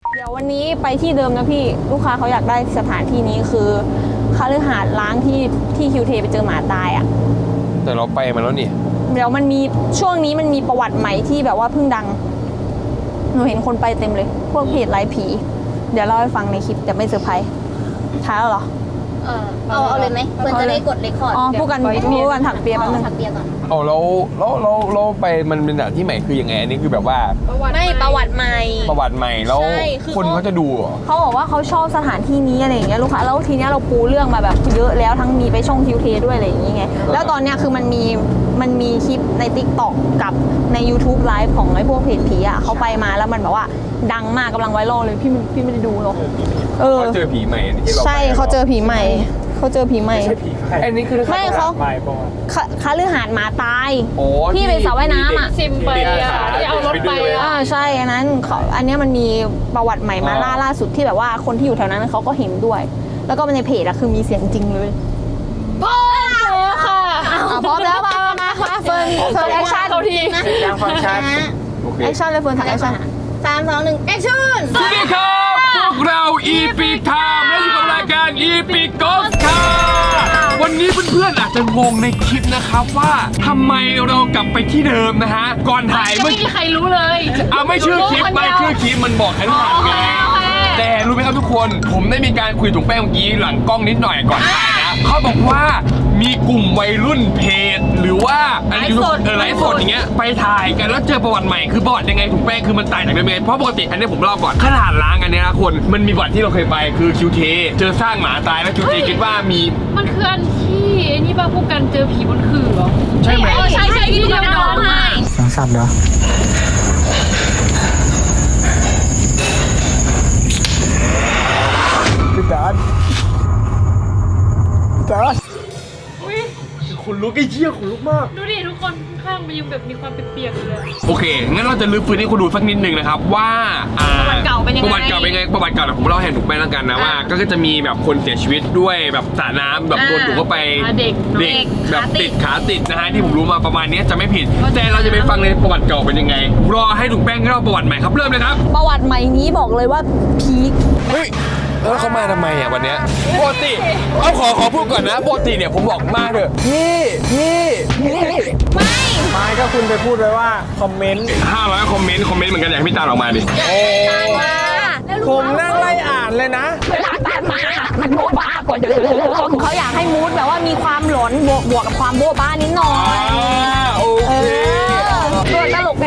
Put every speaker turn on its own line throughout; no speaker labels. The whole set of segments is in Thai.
เดี๋ยววันนี้ไปที่เดิมนะพี่ลูกค้าเขาอยากได้สถานที่นี้คือคฤหาสน์ล้างที่คิวเทไปเจอหมาตายอ่ะ
แต่เราไปมาแล้วนี่
เดี๋ยวมันมีช่วงนี้มันมีประวัติใหม่ที่แบบว่าเพิ่งดังหนูเห็นคนไปเต็มเลยพวกเพจไลฟ์ผีเดี๋ยวเล่าให้ฟังในคลิปแต่ไม่เซอร์ไพรส์ท้ายแล้วเหรอ
เอาเลยไหมเพื่อนจะได้กดเรคคอร์ด
อ๋อพูดกันถักเปียแป๊บนึง
ถักเปียก่อน
เราไปมันเป็นสถานที่ใหม่คือยังไงอันนี้คือแบบว่า
ไม่ประวัติใหม่
แล้วคนเขาจะดูเหรอ
เขาบอกว่าเขาชอบสถานที่นี้อะไรอย่างเงี้ยลูกค้าแล้วทีเนี้ยเราปูเรื่องมาแบบเยอะแล้วทั้งมีไปช่องคิวเทด้วยอะไรอย่างเงี้ยแล้วตอนเนี้ยคือมันมีคลิปใน TikTok กับใน YouTube ไลฟ์ของไอ้พวกเพจผีอ่ะเขาไปมาแล้วมันแบบว่าดังมากกำลังไวรัลเลยพี่ไม่ได้ดูหรอก
เขาเจอผีใหม่
ใช่เขาเจอผีใหม่
อันนี้คือ
ไม่เขาคฤหาสน์หมาตายที่เป็นสระว่ายน้ำอ่ะ
ซิมไปอ่ะที่เอารถไปอ่ะ
ใช่อันนั้นอันนี้มันมีประวัติใหม่มาล่าสุดที่แบบว่าคนที่อยู่แถวนั้นเขาก็เห็นด้วยแล้วก็ในเพจอะคือมีเสียงจริงเลย
พร้อมค่ะ
พร้อมแล้วมาเฟิร์นแอคชั่น
เขาที
ยังฟังชัด
แอคชั่นเลยเฟิร์นถ่ายแอคชั่น
3 2 1แอคชั่น
สวัสดีครับพวกเรา Epic Time และอยู่กับรายการ Epic Ghost ค่ะวันนี้เพื่อนๆอาจจะงงในคลิปนะครับว่าทำไมเรากลับไปที่เดิมนะฮะก่อนถ่าย
ไม่มีใครรู้เลย
ไม่ชื่อคลิปมันบอกให้ถ่ายไงแต่รู้ไหมครับทุกคนผมได้มีการคุยถุงแป้งเมื่อกี้หลังกล้องนิดหน่อยก่อนถ่ายนะเขาบอกว่ามีกลุ่มวัยรุ่นเพจหรือว่าไลฟ์สดอย่างเงี้ยไปถ่ายกันแล้วเจอประวัติใหม่คือประวัติยังไงถุงแป้งคือมันต่างจากเดิมยังไงเพราะปกติอันนี้ผมเล่าก่อนขนาดล้างอันนี้นะคนมันมีประวัติที่เราเคยไปคือคิวเทเจอสร้างหมาตายแล้วคิวเทคิดว่ามี
มันคืออันที่นี่ป่ะพวกกันเจอผีบนขื่อเหรอ
ใช่ไหม
ใช่ที่เดียวกันใช่
สังสรรค์เหรอพี่ดาด
ขนลุกไอ้เชี่ยขนลุกมาก
ดูดิทุกคนข้างมันยังแบบมีความเปียกๆเลย
โอเคงั้นเราจะลื้อฟื้นให้คุณดูสักนิดนึงนะครับว่า
ประวัติเก่าเป็นยังไง
ประวัติเก่าแต่ผมเล่าให้ถูกไปแล้วกันนะว่าก็จะมีแบบคนเสียชีวิตด้วยแบบสระน้ำแบบโดนถูกเข้าไป
เด็ก
แบบติดขาติดนะฮะที่ผมรู้มาประมาณนี้จะไม่ผิดแต่เราจะไปฟังในประวัติเก่าเป็นยังไงรอให้ถูกแป้งเล่าประวัติใหม่ครับเริ่มเลยครับ
ประวัติใหม่นี้บอกเลยว่าพีค
เฮ้ยแล้วเขามาทำไมอ่ะวันเนี้ยปกติขอพูดก่อนนะปกติเนี่ยผมบอกมาเถอะ
พี่ไม่ก็คุณไปพูดไว้ว่าคอมเมนต์
500คอมเมนต์เหมือนกันอยากให้พี่ตาออกมาดิ
ผมนั่งไล่อ่านเลยนะ
เวลาตามมามันโบ๊ะบ้ากว่าเดิมเขาอยากให้มูดแบบว่ามีความหลอนบวกกับความโบ๊ะบ้านิดหน่อย
โอเค
ตัวตลกไง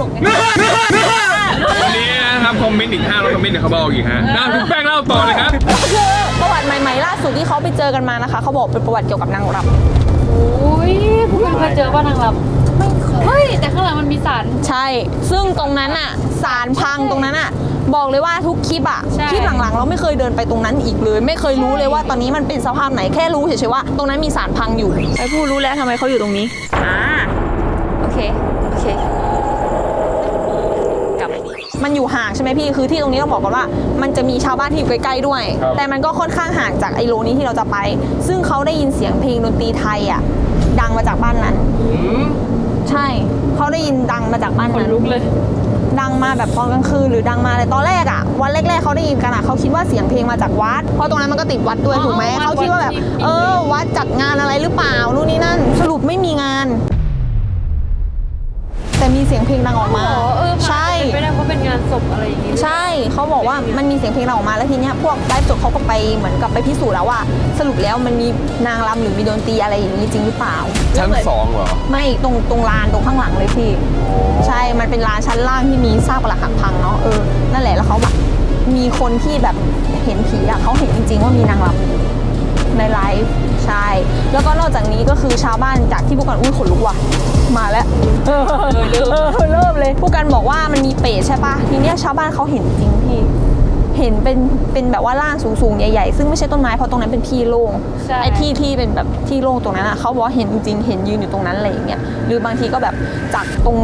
วันนี้นะครับคอมเมนต์อีก500คอมเมนต์เดี๋ยวเขาบอกอีกฮะถูกแป้งเล่าต่อเลยครับ
คือประวัติใหม่ๆล่าสุดที่เขาไปเจอกันมานะคะเขาบอกเป็นประวัติเกี่ยวกับนางรำ
โอ้ยพวกคุณเคยเจอว่านางรำไม่เคยเฮ้ยแต่ข้างหลังมันมีศาล
ใช่ซึ่งตรงนั้นอ่ะศาลพังตรงนั้นอ่ะบอกเลยว่าทุกคลิปอ่ะคลิปหลังๆเราไม่เคยเดินไปตรงนั้นอีกเลยไม่เคยรู้เลยว่าตอนนี้มันเป็นสภาพไหนแค่รู้เฉยๆว่าตรงนั้นมีศาลพังอยู่ไอ้ผู้รู้แล้วทำไมเขาอยู่ตรงนี้โอเคมันอยู่ห่างใช่ไหมพี่คือที่ตรงนี้ต้องบอกก่อนว่ามันจะมีชาวบ้านที่อยู่ใกล้ๆด้วยแต่มันก็ค่อนข้างห่างจากไอโลนี้ที่เราจะไปซึ่งเขาได้ยินเสียงเพลงดนตรีไทยอ่ะดังมาจากบ้านนั้นใช่เขาได้ยินดังมาจากบ้านนั้น
ลุกเลย
ดังมาแบบตอนกลางคืนหรือดังมาเลยตอนแรกอ่ะวันแรกๆเขาได้ยินกันอ่ะเขาคิดว่าเสียงเพลงมาจากวัดเพราะตรงนั้นมันก็ติดวัดด้วยถูกไหมเขาคิดว่าแบบวัดจัดงานอะไรหรือเปล่านู่นนี่นั่นสรุปไม่มีงานแต่มีเสียงเพลงดังออกมาใช่
ไม่ได้เพราะเป็นงานศพอะไรอย่างงี้
ใช่เขาบอกว่ามันมีเสียงเพลงดังออกมาแล้วทีเนี้ยพวกไลฟ์สดเขาก็ไปเหมือนกับไปพิสูจน์แล้วว่าสรุปแล้วมันมีนางรำหรือมีดนตรีอะไรอย่างนี้จริงหรือเปล่า
ชั้น2เหรอ
ไม่ตรงลานตรงข้างหลังเลยพี่ใช่มันเป็นลานชั้นล่างที่มีซากปรักหักพังเนาะนั่นแหละแล้วเขาแบบมีคนที่แบบเห็นผีอ่ะเขาเห็นจริงๆว่ามีนางรำในไลฟ์ใช่แล้วก็นอกจากนี้ก็คือชาวบ้านจากที่พวกกันขนลุกว่ะมาแล้วเริ่มเลยผู้กันบอกว่ามันมีเปรตใช่ปะทีเนี้ยชาวบ้านเขาเห็นจริงพี่เห็นเป็นแบบว่าร่างสูงๆใหญ่ๆซึ่งไม่ใช่ต้นไม้เพราะตรงนั้นเป็นที่โล่งไอ้ที่เป็นแบบที่โล่งตรงนั้นอ่ะเขาบอกเห็นจริงเห็นยืนอยู่ตรงนั้นอะไรอย่างเงี้ยหรือบางทีก็แบบจากตรงวัด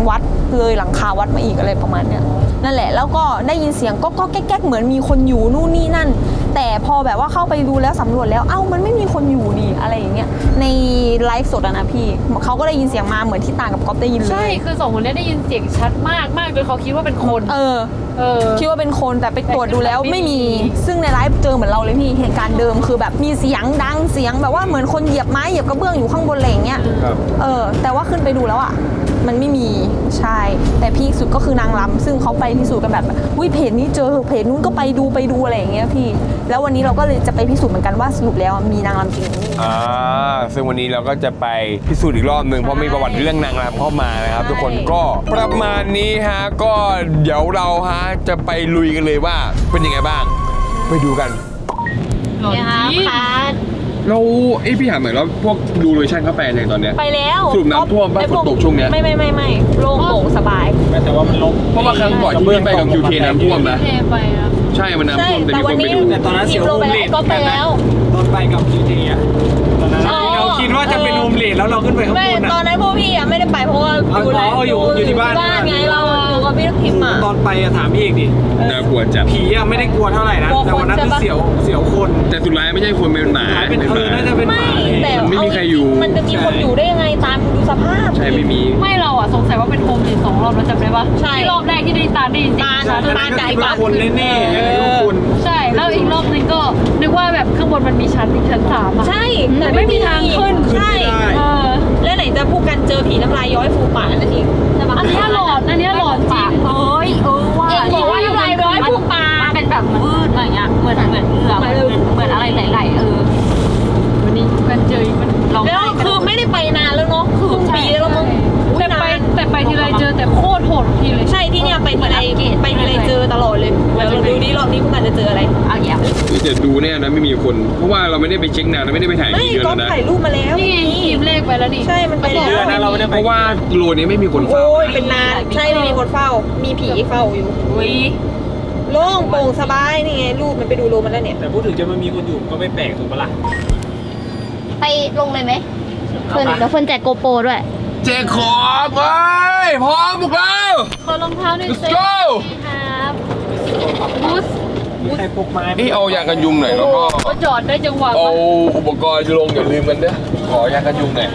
เลยหลังคาวัดมาอีกอะไรประมาณเนี้ยนั่นแหละแล้วก็ได้ยินเสียงก็แก๊กๆเหมือนมีคนอยู่นู่นนี่นั่น แต่พอแบบว่าเข้าไปดูแล้วสำรวจแล้วเอ้ามันไม่มีคนอยู่นี่อะไรอย่างเงี้ยในไลฟ์สดอะนะพี่เขาก็ได้ยินเสียงมาเหมือนที่ต่างกับก๊อฟได้ยินเลย
ใช่คือสองคนนี้ได้ยินเสียงชัดมากจนเขาคิดว่าเป็นคน
คิดว่าเป็นคนแต่ไปตรวจดูแล้วไม่มีซึ่งในไลฟ์เจอเหมือนเราเลยพี่เหตุการณ์เดิมคือแบบมีเสียงดังเสียงแบบว่าเหมือนคนเหยียบไม้เหยียบกระเบื้องอยู่ข้างบนอะไรอย่างเงี้ย
ครับ
แต่ว่าขึ้นไปดูแล้วอ่ะมันไม่มีใช่แต่พีคสุดก็คือนางรำซึ่งเขาไปพิสูจน์กันแบบอุ้ยเพจนี้เจอเพจนู้นก็ไปดูอะไรอย่างเงี้ยพี่แล้ววันนี้เราก็เลยจะไปพิสูจน์เหมือนกันว่าสรุปแล้วมีนางรำจริงหรือไม่
ซึ่งวันนี้เราก็จะไปพิสูจน์อีกรอบหนึ่งเพราะมีประวัติเรื่องนางรำเข้ามานะครับ ทุกคนก็ประมาณนี้ฮะก็เดี๋ยวเราฮะจะไปลุยกันเลยว่าเป็นยังไงบ้างไปดูกัน
หลอน
เนี่ยครับ
จริง
พาร์ท
แล้วพี่ถามหน่อยแล้วพวกดูโลเคชั่นเขาไปยังตอนเนี้ย
ไปแล้ว
สรุปน้ำท่วมปะฝนตกช่วงเนี้ย
ไม่โล่งโปร่งสบาย
แต่ว่ามันลบ
เพราะว่าครั้งก่อนที่พี่ไปกับคิวเคน้ำท่วมนะ
เทไปนะ
ใช่มันน้ำท่วมแต่มีคนไปดู
แต่ตอนนั้นเสียวรูมเลด
ก็ไปแล้ว
ตอนไปกับคิวทีอ่ะตอนนั้น
อ๋อ
เราคิดว่าจะเป็นรูมเลดแล้วเราขึ้นไปข้าง
ไม่
บน
ตอ
อ่ะ
นนั้นพวกพี่อะไม่ได้ไปเพราะว่า
อยู่ที่บ้าน
ไงเราอยู่กับพี่ลูกพิมพ์อะ
ตอนไปอะถามพี่อีกดิ
น่ากลัวจัด
ผีอะไม่ได้กลัวเท่าไหร่นะ แต่วันนั้นคือเสียวคน
แต่สุดท้ายไม่ใช่คนเป็นหมา
เป็นน่าจะเป็นห
ไม่
มาเลย
แต่
มันไม่มีใครอยู่
มันจะมีคนอยู่ได้ยังไงตามดูสภาพ
ใช่ไม่มี
ไม่เราอ่ะสงสัยว่าเป็นโฮมเลส2 รอบแล้วจำได้ปะ
ใช่
ที่รอบแรกที่ได้ยินเสียง
ตอนนั้นก็คิดว่าคนแน่ๆไม่รู้คน
ใช่แล้วอีกรอบนึงก็นึกว่าแบบข้างบนมันมีชั้น3อ่ะ
ใช่
แต่ไม่มีทางขึ้น
ใช่
ขึ้นไม่ได้
เออ
แล้วไหนจะพูดกันเจอผีน้ำลายย้อยฟูปากนั่นอีกใช่ปะ
อันเนี้ยหลอนจริงเอ้ยว่า
เองบอกว่าน้ำลายย้อยฟูปาก
มันเป็นแบบวืดอะไรเงี้ยเหมือนเหงือกเหมือนอะไรไหลๆวันนี้กันเจออีกมันร้อง
แล้ว
ไห้
คือไม่ได้ไปนานแล้วเนาะคือปีแล้วมั้ง
แต่ไปทีไรเจอแต่โคตรโหดทีเลย
ใช่ที่เนี่ยไปทีไรเจอตลอดเลยเดี๋ยวเราดูดิรอบนี้พวกมันจะเจออะไร
เอาอย่าง
จะดูเนี่ยนะไม่มีคน เพราะว่าเราไม่ได้ไปเช็คนานเราไม่ได้ไปถ่าย
ไม่
ที่เดือน
ก็
แล้วนะ
ถ่ายรูปมาแล้ว
นี่ไงทีมเลขไปแล้วนี่
ใช่มันไปแล้ว
เดือนนะเราไม่ได้
เพ
ไป
ราะว่าโลนี้ไม่มีคนเฝ้า
โอ้ยเป็นนานใช่ไม่มีคนเฝ้า มีผีเฝ้าอยู่
อุ้ย
โล่งโปร่งสบายนี่ไงรูปมันไปดูโลมันแล้วเนี่ย
แต่พูดถึงจะมันมีคนอยู่ก็ไม่แปลกถูกปะล่ะ
ไปลงเลยไหมเฟิร์นเดี๋ยวเฟิร์นแจกโกโปรด้วย
เจ๊ขอบเว้ยพร้อมพวกเรา
ขอรองเท้าหน่อย
let's
สิ
go
ครับบูส
มีใครพกไม้
นี่เอายากันยุงหน่อยแล้วก็
ก็จอดได้จังหวะ
เอาอุปกรณ์ลงอย่าลืมกันเด้อขอยากันยุงหน่อย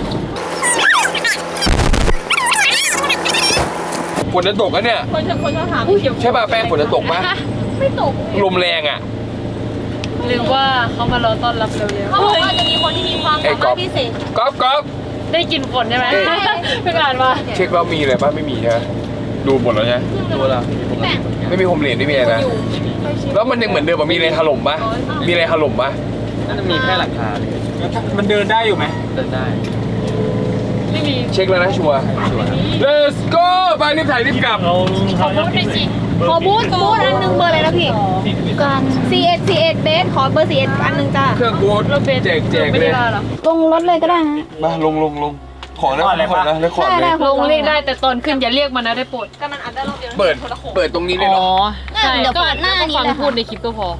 ฝนจะตกกันเนี่ย
คนชอบถาม
ใช่ป่ะแป้งฝนจะตกปะ
ไม่ตก
ลมแรงอ่ะ
หรือว่าเขามารอต้อนรับเร็ว
เขาบอกว่าจะมีคนที่มีความสามารถพิเศษ
ก๊อฟ
ๆได้กลินฝนใช่ไหมเพิ่งอ่านมา
เช็คแล้วมีอะไรป่ะไม่มีใช่ไหมดูหมดแล้วใช่ไหมดูแล้วไม่มีโฮมเลดไม่มีอะไรนะแล้วมันยังเหมือนเดิมป่ะมีอะไรถล่มป่ะมีอะไรถล่มป่ะ
น่าจะมีแค่หลักฐานมันเดินได้อยู่ไหมเดินได้
ไม่มี
เช็คแล้วนะชัวร์ let's go ไปรีบถ่ายรีบกลับ
ขอบูธหน่อยสิ
ขอบูธอันนึงเบอร์อะไรนะพี่
กัน
C1 เบสขอเบอร์ C1 อันนึงจ้า
เครื่องกูแจก
ไม่
เล
ได้
ย
ลาหรอ
ลงรถเลยก็ได้นะ
มาลงขอนะขอนะแล้วขอเลย
ลงเรียกได้แต่ตอนขึ้นอย่าเรียกมันนะได้โปรด
ก็มันอัดได้รอบเดียว
เปิดตรงนี้เลยเนาะ
ใช่
เดี๋ยวเปิดหน้านี้
ฟัง
เลย
พูดในคลิปก็พอ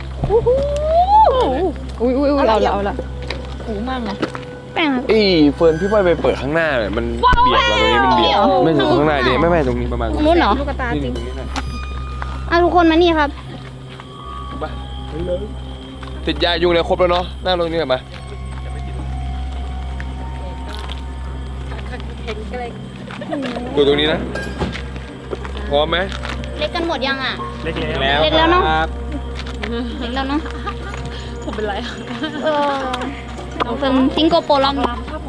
อุ้ยเอาละ
หูมากนะ
แป้ง
อีเฟิร์นพี่ว่าไปเปิดข้างหน้าเลยมันเบียดเราตรงนี้มันเบียดไม่ถึงข้างหน้าดิไม่ตรงนี้ประมาณ
ตรงนู้นเหรอ
ลูกตาจริง
อ่ะทุกคนมานี่ครับ
ติดยายุงเลยครบแล้วเนาะนั่งตรงนี้มาดูตรงนี้นะพร้อมไหม
เล็กกันหมดยังอ่ะ
เล็กแล้ว
เล็กแล้วเนอะ
ครับ
เล็กแล้วเนาะ
ผมเป็นไร
เป็นซิงโกโปรลอง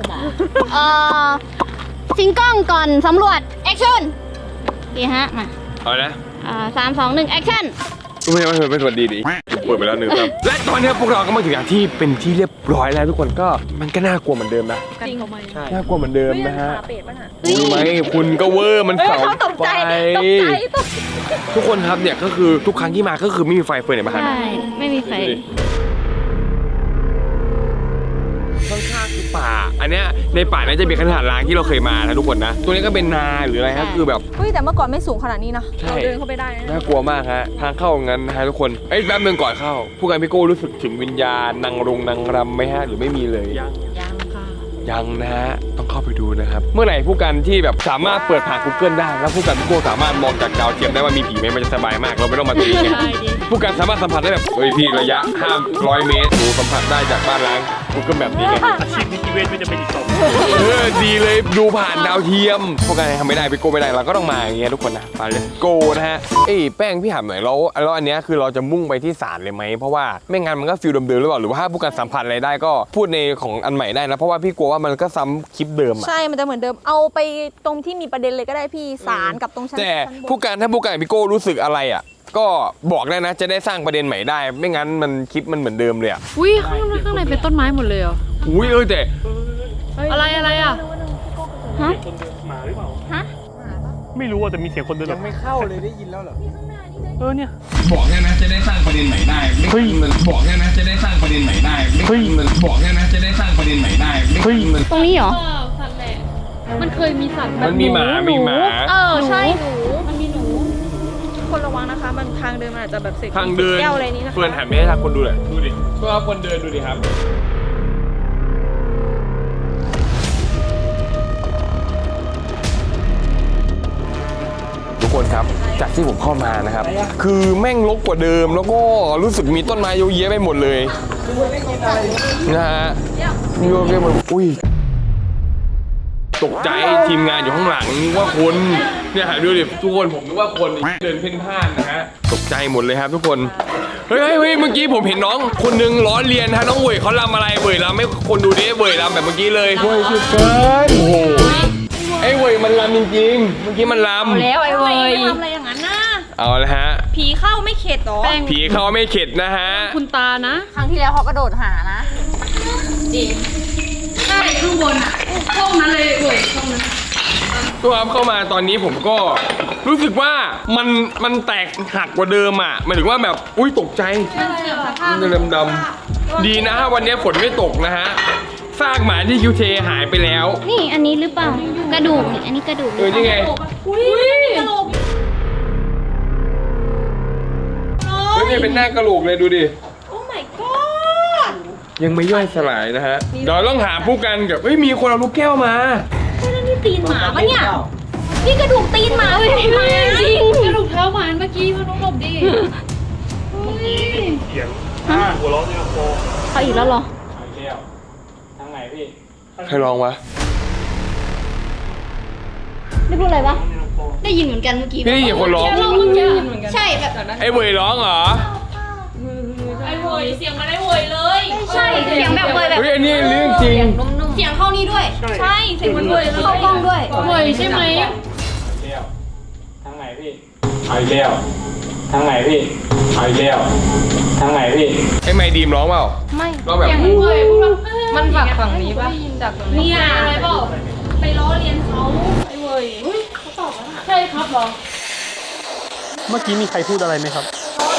ซิงกล้องก่อนสำรวจแอคชั่นดีฮะมา
เอานะ
3 2 1แอคชั่น
ไม่สวัสดีดิเปิดไปแล้วหนึ่งครับและตอนนี้พวกเราก็มาถึงอย่างที่เป็นที่เรียบร้อยแล้วทุกคนก็มันก็น่ากลัวเหมือนเดิมนะ
จริงเขาไหม
น่ากลัวเหมือนเดิมนะฮะ
เป็ดป่ะน่ะ
รู้ไหมคุณก็เวอร์มันเสา
เขาตก
ไฟ
ใจ
ทุกคนครับเนี่ยก็คือทุกครั้งที่มาก็คือไม่มีไฟเฟิร์นเนี่ยมาหา
ใช่ ไม่มีไฟ
ข้างๆคือป่า อันเนี้ยในป่าเนี่ยจะมีขนาดล้างที่เราเคยมานะทุกคนนะ ตัวนี้ก็เป็นนาหรืออะไรฮะคือแบบ
เฮ้ยแต่เมื่อก่อนไม่สูงขนาดนี้นะ
ใช่
เราเดินเข้าไปได้นะ
น่ากลัวมากฮะทางเข้างั้นนะฮะทุกคนเอ้ยแป๊บนึงก่อนเข้าผู้การพี่โก้รู้สึกถึงวิญญาณนางรำไหมฮะหรือไม่มีเลย
ยังค่ะ
ยังนะฮะต้องเข้าไปดูนะครับเมื่อไหร่ผู้กันที่แบบสามารถเปิดผ่าน Google ได้แล้วผู้กันทุกคนสามารถมองจากดาวเทียมได้ว่ามีผีไหมมันจะสบายมากเราไม่ต้องมาตีกันผู้กันสามารถสัมผัสได้แบบพี่ระยะ500 เมตรสัมผัสได้จากบ้านล้าง Google แบบนี้ไง
อาชีพนิติเวชไม่จะเป็นอีกต่อ
ดีเลยดูผ่านดาวเทียมพวกกันทำไม่ได้ไปโกไม่ได้เราก็ต้องมาอย่างเงี้ยทุกคนนะไปเลยโกนะฮะแป้งพี่ถามหน่อยแล้วอันเนี้ยคือเราจะมุ่งไปที่ศาลเลยไหมเพราะว่าไม่งั้นมันก็ฟิลเดิมๆหรือเปล่าหรือว่าถ้าผู้กันสัมผัสอะไรได้ก็พูดในของอันใหม่ได้นะเพราะว่าพี่กลัวว่ามันก็ซ้ำคลิปเดิมอะ
ใช่มันจะเหมือนเดิมเอาไปตรงที่มีประเด็นเลยก็ได้พี่ศาลกับตรงชั้น
แต่
บน
ผู้การถ้าผู้การพี่โก้รู้สึกอะไรอ่ะก็บอกได้นะจะได้สร้างประเด็นใหม่ได้ ไม่งั้นมันคลิปมันเหมือนเดิมเลยอ่ะ
อุ้ยข้างในเป็นต้นไม้หมดเลยเหรอ
อุ้ยแต่
อะไรอ่ะ
ฮะ
คนเดินมาหรือเปล่า
ฮะ
ไม่รู้ว่าแต่มีเสียงคนเดิน
ยังไม่เข้าเลยได้ยินแล้วเหรอ
เนี่ย
บอกได้นะจะได้สร้างประเด็นใหม่ได้ไม่งั้นมันบอกได้นะจะได้สร้างประเด็นใหม่ได้ไม่งั้นมันบอกได้นะจะได้สร้างประเด็นใหม่ได้ไม่งั้นมัน
ตรงนี้เหรอ
สัตว์แหละมันเคยมีสัตว์แบบ
มันมีหมามีหมา
ใช่หนู
มันมีหนู
คนระวังนะคะมันทางเดินมันอาจจะแบบเสก
ทางเดิน
แก้วอะไรนี้นะคะ
เฟิร์นหันไปให้ทางคนดูเลยดูดิเพื่อคนเดินดูดิครับทุกคนครับจากที่ผมเข้ามานะครับคือแม่งรกกว่าเดิมแล้วก็รู้สึกมีต้นไม้เยอะแยะไปหมดเลยนะฮะมีเยอะแยะหมดอุ้ยตกใจทีมงานอยู่ข้างหลังนึกว่าคนเนี่ยหาดูดิทุกคนผมนึกว่าคนเดินเพ่นพ่านนะฮะตกใจหมดเลยครับทุกคนเฮ้ยเมื่อกี้ผมเห็นน้องคนนึงล้อเลียนฮะน้องเว่ยเขาลำอะไรเว่ยลำไม่คนดูดิเว่ยลำแบบเมื่อกี้เลยเว่ยสุดเกินโอ้โหไอ้เว่ยมันลำจริงๆเมื่อกี้มันลำ
แล้วไอ้เว้ย
ทำอะไรอย่างนั้นนะ
เอาละฮะ
ผีเข้าไม่เข็ดหรอ
ผีเขาไม่เข็ดนะฮะ
คุณตานะ
ครั้งที่แล้วเขากระโดดหานะ
ใช่ข้างบนอ่ะห้องนั้นเลยเว้ยห้องนั้น
ตัวครับเข้ามาตอนนี้ผมก็รู้สึกว่ามันแตกหักกว่าเดิมอ่ะหมายถึงว่าแบบอุ้ยตกใจมันดำๆดีนะวันนี้ฝนไม่ตกนะฮะซากหมาที่คิวเทหายไปแล้ว
นี่อันนี้หรือเปล่า กระดูกนี่อันนี้กระดูก
นี่ไง
อุ้ย
เฮ้ยนี่เป็นหน้ากระโหลกเลยดูดิ
โอ้ my god
ยังไม่ย่อยสลายนะฮะเดี๋ยวต้องหาผู้กันกับมีคนเอาลูกแก้วมา
นี่ตีนหมาปะเนี่ยนี่กระดูกตีนหมาเลยจริง
กระดูกเท้าหมาเมื่อกี้มันต้องหลบดิ
เสียงหัวเราะในลำโพง
เขาอีกแล้วเหรอ
ทางไหนพี่
ใครลองวะ
ได้พูดอะไรปะได้ยินเหมือนกันเมื่อกี้
พี่ได้ยินคนร้อง
เราเมื่อกี้เหมือนกัน
ใช่แบบ
ไอ้เว่ยร้องเหรอ
ไอ้เว้ยเสียงมาได้เว้ยเลย
ใช่เสียงแบบเลยแบบ
เฮ้ยอันนี้เรื่องจริง
เสียงเข้านี่ด้วย
ใช่เสียงมันเว้ยเลย
เข้ากล้องด้วย
เว้ยใช่ไหม
ทางไหนพี่เอาอีกแล้วทางไหนพี่เอาอีกแล้วทางไหนพี่
ไอ้ไมค์ดีมร้องเปล่า
ไม่
ร้องแบบ
เสียงเว้ยพูดว่ามันจากฝั่งนี้ปะจากฝั่งนี้เนี่ยอะไรเปล่าไปล้อเลียนเขาไอ้เว้ยเขาตอบว่าใช่ครับเหรอ
เมื่อกี้มีใครพูดอะไรไหมครับ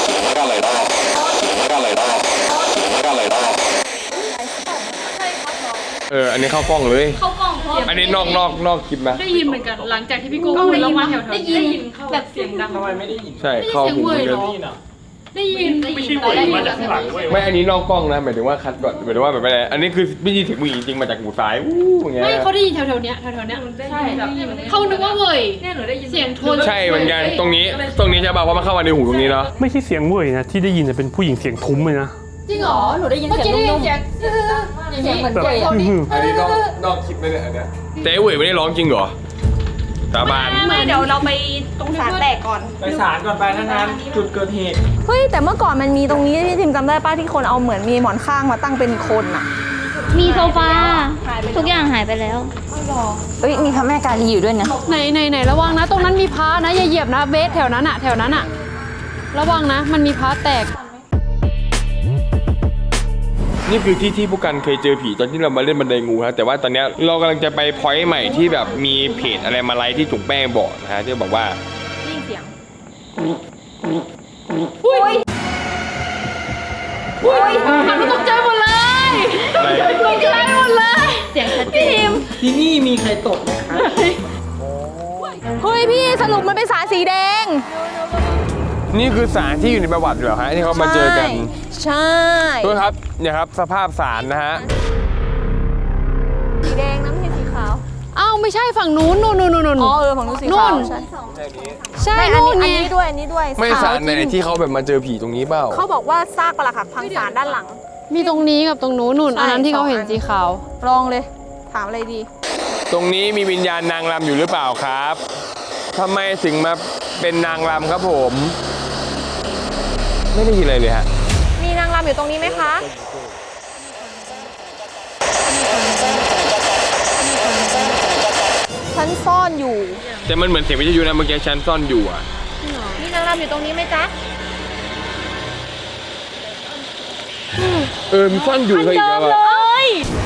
อันนี้เข้ากล้องเลย
เข้ากล้องเพราะ
อันนี้นอกคลิปนะ
ได้ยินเหมือนกันหลังจากที่พี่โก้พูดแล้วมาแถวๆ
ได้ยิน
เข้า
แบบ
เสียงดัง
ทำไมไม่ได้ยิน
ใช่เข้าหูเหมือนกัน
ได้ยิน
ไม่ใช่เวยมาจากข้างหลังเว้ย
ไม่อันนี้นอกกล้องนะหมายถึงว่าคัดก่อนหมายถึงว่าแบบอะไรอันนี้คือไม่ยินเสียงผู้หญิงจริงมาจากหูซ้ายอู้อย่างเงี้ย
ไม่เขาได้ยินแถวๆเนี้ยแถวๆเนี้ยใช่เขานึกว่าเว้ยเนี่ยหนูได้ยินเสียงโทน
ใช่เหมือนกันตรงนี้ใช่ป่ะเพราะมันเข้ามาในหูตรงนี้เนาะ
ไม่ใช่เสียงเวยนะที่ได้ยินเป็นผู้หญิงเสียงทุ้มเลยนะ
จริงเหรอหนูได้ยินเสียงนุ่มๆเสียงเหมือน
แบบ
เว้ย
อันนี้นอกคลิปเลยเนี่ยอันเนี้ยแต่ไอ้เว่ยไม่ได้ร้องจริงเหรอสาบาน
ไม่เดี๋ยวเราไปตรงศาลแตกก่อน
ไปศาลก่อนไปทั้งนั้นจุดเกิดเหตุ
เฮ้ยแต่เมื่อก่อนมันมีตรงนี้ที่ทิมจำได้ป้าที่คนเอาเหมือนมีหมอนข้างมาตั้งเป็นคนอ่ะ
มีโซฟา ทุกอย่างหายไปแล้ว
เอ้ยมีพระแม่กาลีอยู่ด้วยนะ
ไหนระวังนะตรงนั้นมีพระนะอย่าเหยียบนะเบสแถวนั้นอะระวังนะมันมีพระแตก
นี่คือที่ผู้กันเคยเจอผีตอนที่เรามาเล่นบันไดงูฮะแต่ว่าตอนเนี้ยเรากำลังจะไปพอยต์ใหม่ที่แบบมีเพจอะไรมาไลฟ์ที่จุ๋งแป้งบอกนะฮะที่บอกว่า
นี่เสียง
หันมาตกใจหมดเลย
อะไร
ตกใจหมดเลย
เสียงชัดเจน
ที่นี่มีใครตกไหมครับ
เฮ้ยพี่สรุปมันเป็นสารสีแดง
นี่คือสารที่อยู่ในประวัติเหรอฮะที่เขามาเจอกัน
ใช่
ด้วยครับเนี่ยครับสภาพสารนะฮะ
สีแดงนะไม่ใช่สีขาว
อ้าวไม่ใช่ฝั่งนู้นนู่น
อ๋อฝั่งนู้นสีขาว
นู่น
ใช่
ใช่
ไม่อัน
นู่น
นี้
ไง
ด้วยอันนี้ด้วย
ไม่
ขาว
สารในที่เขาแบบมาเจอผีตรงนี้เปล่า
เขาบอกว่าซากปรักหักพังสารด้านหลัง
มีตรงนี้กับตรงนู้นนู่น
ใช่
อันนั้นที่เขาเห็น
สองอัน
สีขาว
ลองเลย ถามอะไรดี
ตรงนี้มีวิญญาณนางรำอยู่หรือเปล่าครับทำไมถึงมาเป็นนางรำครับผม ไม่ได้ยินอะไรเลยฮะ
มีนางรำอยู่ตรงนี้ไหมคะ ฉันซ่อนอยู่
แต่มันเหมือนเสียงวิทยุนะเมื่อกี้ฉันซ่อนอยู่อ่ะ
มีนางรำอยู่ตรงนี้ไหมจ๊ะ
มีซ่อนอยู่เคยอีกแล้วอะ
ย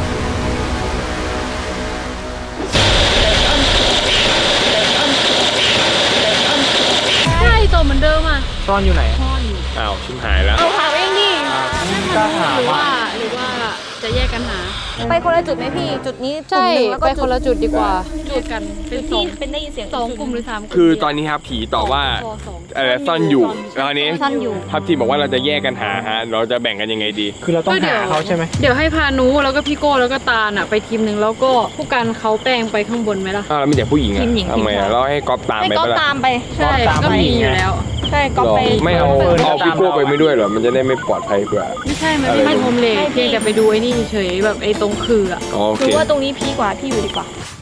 ใช่ตัวเหมือนเดิมอ่ะ
ซ่อนอยู่ไหน
อ้าวชิมหายแล้ว
เอาถามเองดิ
กล้าถาม
หรือ
ว่า
ว่าจะแยกกันหา
ไปคนละจุดไหมพี่ จุดนี้
ใช่
กลุ่มหนึ่งแล้วก็
ไปคนละจุดดีกว่าจุดกันเป็นสอง
เป็นได้ยินเสียง
สองกลุ่มหรือสามกลุ่ม
คือตอนนี้ครับผีตอบว่า
สอง
อะไรซ่อนอยู่แล้วอันนี้
ซ่อนอยู่
ทัพทีมบอกว่าเราจะแยกกันหาฮะเราจะแบ่งกันยังไงดี
คือเราต้องหาเขาใช่ไหม
เดี๋ยวให้พานุแล้วก็พี่โก้แล้วก็ตาลอ่ะไปทีมหนึ่งแล้วก็ผู้การเขาแป้งไปข้างบนไหมล่ะ
อ้าวแล้วมีแต่ผู้หญิงอะ
ทีมหญิง
ทำไม
ทีมชาย
อะเราให้ก๊อฟตาม
ให้
ไป
ก๊อฟ
ปะล่ะ
ตามไป
ใช่ก็มีอยู่แล้ว
ใช่ก๊อฟ
หรอ
ไป
ไม่เอาพี่โก้ไปไม่ด้วยเหรอมันจะได้ไม่ปลอดภัยกว่า
ไม่ใช่มันไม่ใช่โฮมเลดเพียงแต่ไปดูไอ้นี่เฉยๆแบบไอ้ตรงคืออ่ะ
อ๋อโอ
คื
เค
อว่าตรงนี้พีกว่าพี่อยู่ดีกว่า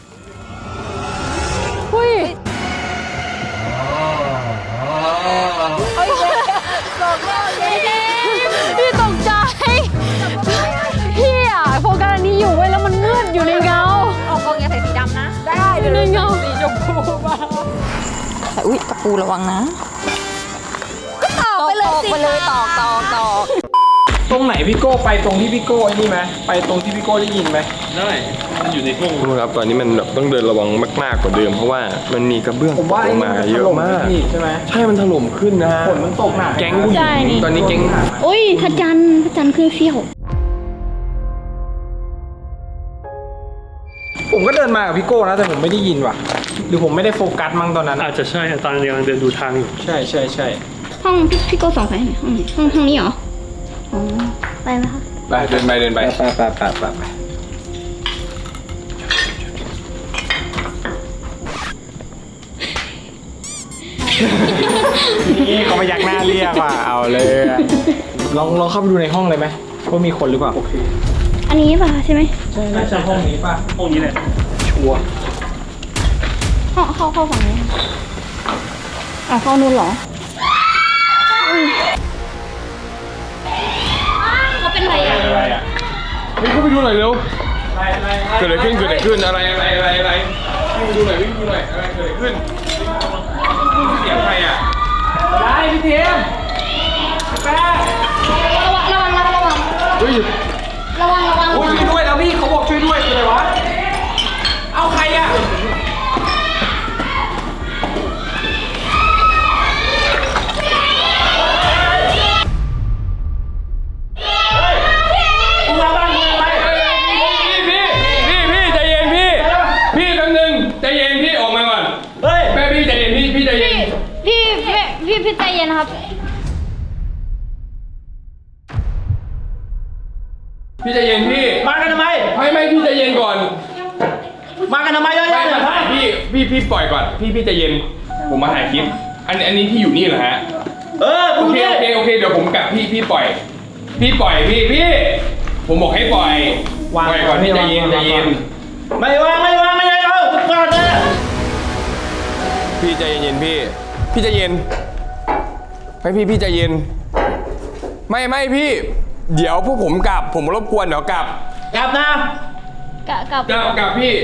อุ้ยพี่ตกใจพี่อ่ะโฟกัสอันนี้อยู่ไว้ยแล้วมันมืดอยู่ในเงา
ออกกองอย่าใส่สีดำนะ ได้
อยู่ในเงา
แต่อุ้ยตะปูระวังนะตอกไปเลยสิไปเลยตอก
ตรงไหนพี่โก้ไปตรงที่พี่โก้ไอ้นี่ไหมไปตรงที่พี่โก้ได้ยินไหม
ได้มันอยู่ในห้อง
ทุกคนครับตอนนี้มันแบบต้องเดินระวังมากๆกว่าเดิมเพราะว่ามันมีกระเบื้อง
ผมว่า
ล
ไอ้
ง
นี่
มา
มัน
เย
ถ
อะ
ล่ม
มาก
พี่ใช่ไหม
ใช่มันถล่มขึ้นนะฮะ
ฝนมันตกหนัก
แก๊งผู้หญิงตอนนี้แก๊ง
อุ้ยพระจันทร์ขึ้นเสี้ยว
ผมก็เดินมากับพี่โก้นะแต่ผมไม่ได้ยินว่ะ หรือผมไม่ได้โฟกัสมั้งตอนนั้น
อาจจะใช่ตอนกำลังเดินดูทางอยู่
ใช่ใช่ใช่
ห้องพี่โก้ส่องไปไหนห้องนี้ห้องนี้เหรอ อ๋อ ไปไหมคะ
ไปเดินไป
ไปนี่เขามายักหน้าเรียกว่ะเอาเลยอะลองเข้าไปดูในห้องเลยไหมว่ามีคนหรือเปล่า
อันนี้ป่ะใช่ไหม
ใช่น่าจะห้องนี้ป่ะ
ห้องนี้แหละ
ชัวร์
เข้าฝั่งนี้อ่ะเข้านู้นเหรอเขาเป็นไรอ่ะ
อะไรอ่ะ
เฮ้ยเข้าไปดูหน่อยเร็ว
อะไร
เกิดอะไรขึ้นอะไรวิ่งไปดูหน่อยอะไรเกิดอะไรขึ้นเสียงใครอ่ะ
อะไรพี่เทียมแป๊ะ
ระวัง
เฮ้ย
โอ้ยช่วยด้วยแล้วพี่เขาบอกช่วยด้วยคืออะไรวะ เอาใครอ่ะมาบ้านมึงอะไร
พี่ใจเย็นพี่แป๊บนึงใจเย็นพี่ออกมาก่อน
เฮ้ย
แม่พี่ใจเย็นพี่ใจเย็น
พี่ใจเย็นนะครับ
พี่ใจเย็นพี่
มากันทำไม
ไม่พี่ใจเย็นก่อน
มากันทำไมเยอะ
ไม่
แยะ
มาถ่ายพี่ปล่อยก่อนพี่ใจเย็นผมมาถ่ายคลิปอันนี้พี่อยู่นี่เหรอฮะ
กู
โอเค
เนี่ย
เดี๋ยวผมกลับพี่ปล่อยพี่ผมบอกให้ปล่อยก่อนพี่ใจเย็น
ไม่วางเอาทุกคนเลย
พี่ใจเย็นพี่ใจเย็นให้พี่ใจเย็นไม่พี่เดี๋ยวพวกผมกลับผมรบกวนเดี๋ยวกลับ
กลับนะ
กับ
กลับพี่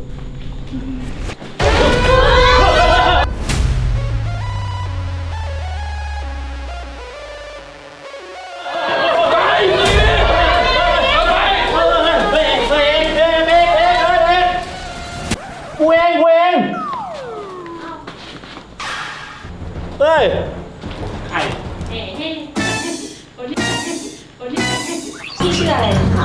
กูเองเฮ้ยใคร
พี่ชื่ออะไรนะคะ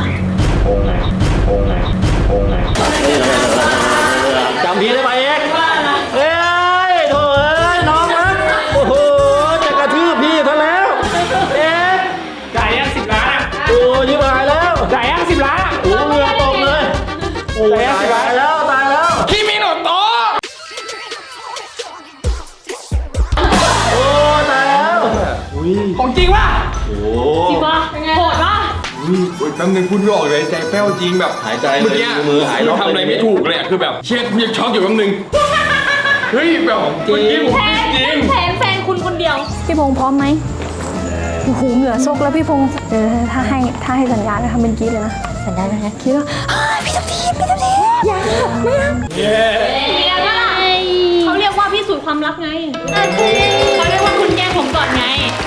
จำพี่ได้ไหมเอ็กเฮ้ยโถ่เอ้ยน้องนะโอ้โหจะกระทืบพี่ซะแล้วเอ็กจ่ายยัง10 ล้านโอ้ยิบหายแล้วจ่ายยัง10 ล้านโอ้เหงื่อตกเลยโอ้ยโอ้
จริงปะโหดปะ
แป๊บนึงพูดไม่ออกเลยใจแป้วจริงแบบ
หายใจเลย
เมื่อกี้
มือหาย
คือ
ล็อก
ทำอะไร
เลย
ไม่ถูกเลยอะคือแบบเช็ดกูยังช็อกอยู่แป๊บนึงเฮ้ยแบบเมื่อกี้ผมจริง
แทนแฟนคุณคนเดียว
พี่พงษ์พร้อมไหมโอ้โหเหงื่อซกแล้วพี่พงษ์ถ้าให้สัญญาณนะทำเป็นกรี๊ดเลยนะสัญญาณนะกรี๊ดแล้วพี่ทับทีไม่ยังไม่ยัง
เรียนว่าเขาเรียกว่าพิสูจน์ความรักไงเขาเรียกว่าคุณแกล้งผมก่อนไง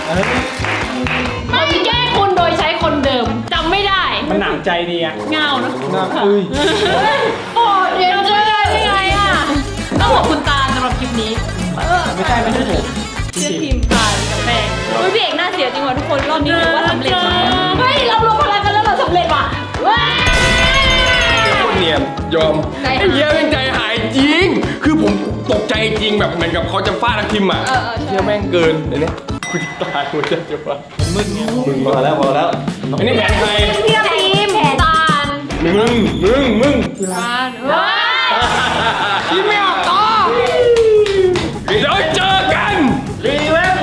ไม่แกล้งคุณโดยใช้คนเดิมจำไม่ได้
มันหนำใจดีอะ
เงาเนอะโอ้เดี๋ยวจะได้ยังไงอ่ะต้องบอกคุณตาลสำหรับคลิปนี้
ไม่ใช่ผม
เชื่อทีมตาลกับแป้งเฮ้ยพี่เอกน่าเสียจริงว่ะทุกคนรอบนี้ถือว่าสำเร็จว่ะเฮ้ยเรารวมพลังกันแล้วเราสำเร็จว่ะว้า
คนเนียนยอม
ใจหาย
ไอ้เหี้ยแม่งใจหายจริง คือผมตกใจจริงแบบเหมือนกับเขาจะฟาดทักทิมอ่ะเหี้ยแม่งเกินเดี๋ยวนี้กูจะตายกูจะว่า
มึงพอแล้วพอแล้ว
อันนี้แผนใคร
เทียบทีมตาล
มึง
ตาลเฮ้ย
คิดไม่ออกต่อเดี๋ยวเจอกันรีเว้ย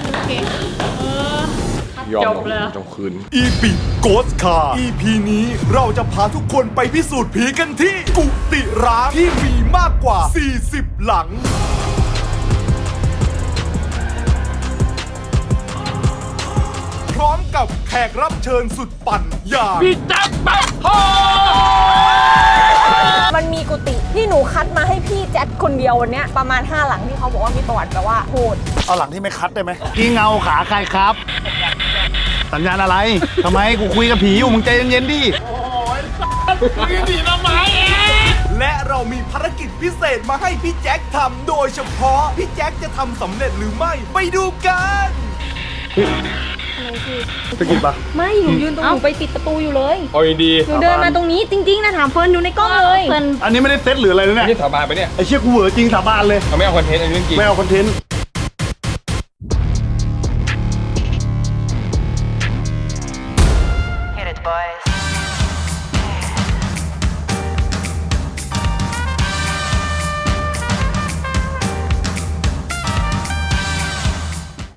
ยอม
จบเลย
จบคืน
อีปิโกสคา EP นี้เราจะพาทุกคนไปพิสูจน์ผีกันที่กุฏิร้างที่มีมากกว่า 40 หลัง พร้อมกับแขกรับเชิญสุดปั่นอย่าง
พี่จับปักโฮ
มันมีกุฏิที่หนูคัดมาให้พี่แจ็คคนเดียววันเนี้ยประมาณ5หลังที่เขาบอกว่ามีประวัติแบบว่าโหด
เอาหลังที่ไม่คัดได้ไหมกี่เงาขาใครครับ สัญญาณอะไร ทำไมกูคุยกับผีอยู่มึงใจเย็นๆดิ และเรามีภารกิจพิเศษมาให้พี่แจ็คทำโดยเฉพาะ พี่แจ็คจะทำสำเร็จหรือไม่ ไปดูกันสกิดปะ
ไม่หนูยืนตรงหนูไปปิดประตูอยู่เลย
เอาดี
หนูเดินมาตรงนี้จริงๆนะถามเฟิร์นดูในกล้องเลย
อันนี้ไม่ได้เซตหรืออะไรเลย
ๆ
เนี่ย
นี่สาบานไปเนี่ย
ไอ้เชี่ยกูเหวอจริงสาบานเลย
เขาไม่เอาคอนเทนต์อันนี้เรื่องจริง
ไม่เอาคอนเทนต์
Hit it, boys.